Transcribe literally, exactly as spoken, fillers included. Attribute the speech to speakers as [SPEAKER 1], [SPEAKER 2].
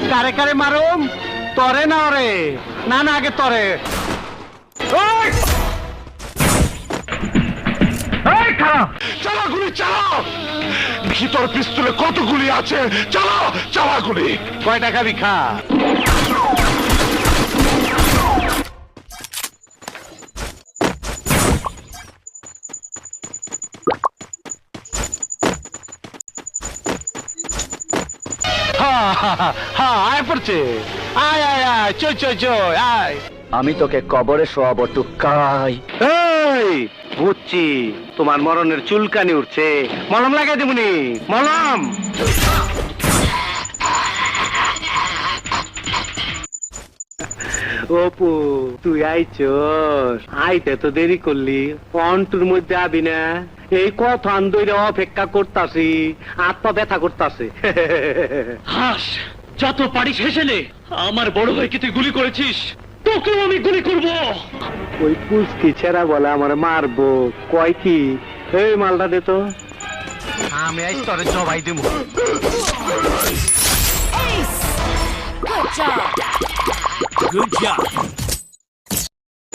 [SPEAKER 1] কারে কারে মারুম তরে না রে না না আগে তরে
[SPEAKER 2] চালা গুলি চালাও ভিতর পিস্তলে কত গুলি আছে চালাও চালা গুলি
[SPEAKER 1] কয় টাকা বিখা হ্যাঁ আয় পড়ছে আয় আয় আয় চই চই চই আয়
[SPEAKER 3] আমি তোকে কবরে শোয়াবো টুকাই।
[SPEAKER 1] এই বুঝছি তোমার মরণের চুলকানি উঠছে মলম লাগাই দেবনি মলম অপু তুই আইছস আইতে তো দেরি করলি অন্টুর মধ্যে আবি না এই কথা আন্দোলনে অপেক্ষা করতাছি আত্মা ব্যথা করতাছে
[SPEAKER 4] হাস যত পারিস হেসে নে আমার বড় ভাইকে তুই গুলি করেছিস তোকেও আমি গুলি করব
[SPEAKER 1] ওই পুষ্কি ছেড়া বলে আমার মারবো কয় কি এই মালটা দে তো আমি আজ তোরে জবাই দেবো
[SPEAKER 5] Ace! Good job!
[SPEAKER 4] Good job